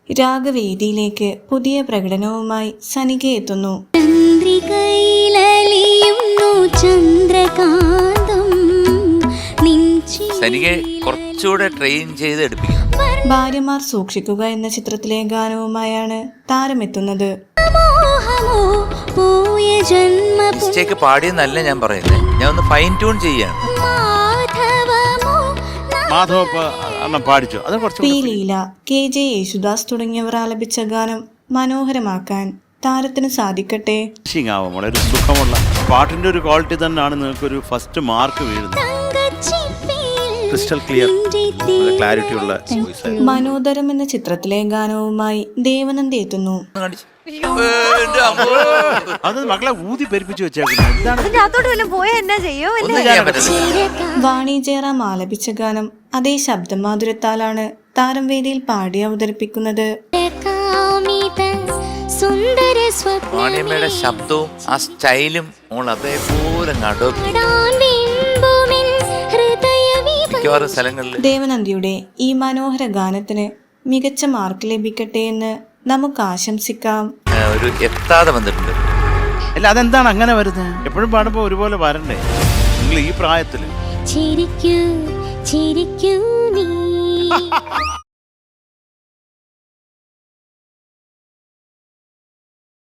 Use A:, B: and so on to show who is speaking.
A: രാഗവേദിയിലേക്ക് പുതിയ പ്രകടനവുമായി സനിക എത്തുന്നു.
B: സനികയെ കുറച്ചുകൂടെ ട്രെയിൻ ചെയ്ത് എടുപ്പിക്കണം.
A: ഭാര്യമാർ സൂക്ഷിക്കുക എന്ന ചിത്രത്തിലെ ഗാനവുമായാണ് താരമെത്തുന്നത്.
B: മിസ്റ്റേക്ക് പാടിയെന്നല്ല ഞാൻ പറയുന്നത്, ഞാൻ ഒന്ന് ഫൈൻ ട്യൂൺ ചെയ്യാണ്.
A: പി ലീല, KJ യേശുദാസ് തുടങ്ങിയവർ ആലപിച്ച ഗാനം മനോഹരമാക്കാൻ താരത്തിന് സാധിക്കട്ടെ.
C: വളരെ സുഖമുള്ള പാട്ടിന്റെ ഒരു ക്വാളിറ്റി തന്നെയാണ് നിങ്ങൾക്കൊരു ഫസ്റ്റ് മാർക്ക് വീഴുന്നത്. ക്രിസ്റ്റൽ ക്ലിയർ, ക്ലാരിറ്റി ഉള്ള വോയിസ്.
A: മനോദരം എന്ന ചിത്രത്തിലെ ഗാനവുമായി ദേവനന്ദി എത്തുന്നു.
C: അത് മക്കളെ ഊതി പെരുപ്പിച്ചു വെച്ചേക്കുന്നത്.
A: വാണി ജയറാം ആലപിച്ച ഗാനം അതേ ശബ്ദമാധുര്യത്താലാണ് താരം വേദിയിൽ പാടി അവതരിപ്പിക്കുന്നത്.
B: വാണിയമ്മയുടെ ശബ്ദവും ആ സ്റ്റൈലും അതേപോലെ മിക്കവാറും സ്ഥലങ്ങളിൽ.
A: ദേവനന്ദിയുടെ ഈ മനോഹര ഗാനത്തിന് മികച്ച മാർക്ക് ലഭിക്കട്ടെ എന്ന് നമുക്ക് ആശംസിക്കാം.
B: ഒരു എത്താതെ വന്നിട്ടുണ്ട്.
C: അല്ല, അതെന്താണ് അങ്ങനെ വരുന്നത്? എപ്പോഴും പാടുമ്പോ ഒരുപോലെ വരണ്ടേ? നിങ്ങൾ ഈ പ്രായത്തില്